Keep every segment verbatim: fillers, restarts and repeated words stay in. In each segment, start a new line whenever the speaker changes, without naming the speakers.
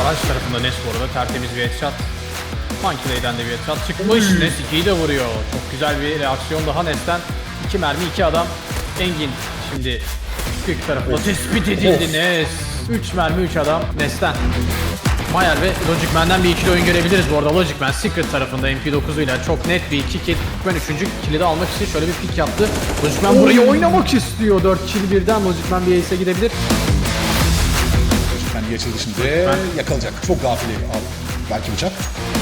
Karşı tarafında Nes bu arada tertemiz bir headshot. Monkey'den de bir headshot çıkmış. Nes ikiyi de vuruyor. Çok güzel bir reaksiyon daha Nes'ten. iki mermi iki adam. Engin şimdi Quick tarafında tespit edildi Nes. üç mermi üç adam Nes'ten. Mayer ve Logic Man'den bir ikili oyun görebiliriz bu arada. Logic Man Secret tarafında M P dokuz ile çok net bir iki kill. Ben üçüncü kill'i de almak için şöyle bir pick yaptı. Logic Man burayı oynamak istiyor. dört kill birden Logic Man bir ace'e gidebilir.
Kendi açıldı şimdi. Yakalayacak. Çok gafil al. Belki bıçak.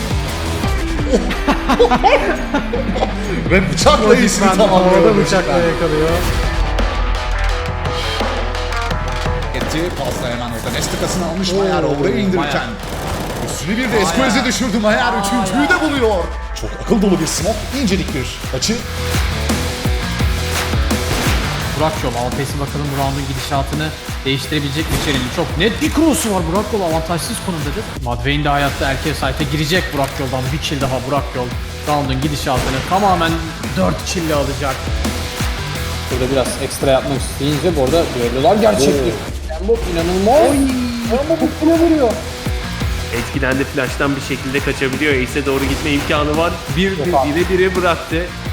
Ve bıçakla iyisini tamamlıyor.
Orada bıçakla yakalıyor.
Etti. Pasta hemen orada Nestikas'ını almış Mayer oraya indirirken. Üstüne bir de Esquez'e düşürdü Mayer. Üçüncüyü de buluyor. Çok akıl dolu bir smoke. İncelik bir açı.
Burak Yol Alpes'in bakalım bu round'un gidişatını değiştirebilecek mi içeriğini? Çok net bir cross'u var. Burak Yol avantajsız konumdadır. Madveyn de hayatta erkeğe site'e girecek Burak Yol'dan. Bir kill daha Burak Yol. Round'un gidişatını tamamen dört kill'le alacak. Burada biraz ekstra yapmak isteyince bu arada düellolar gerçektir. Embop inanılmaz. Embop üstüne vuruyor.
Etkilendi, flash'tan bir şekilde kaçabiliyor. Ace'e doğru gitme imkanı var. Bir bire bire bire bıraktı.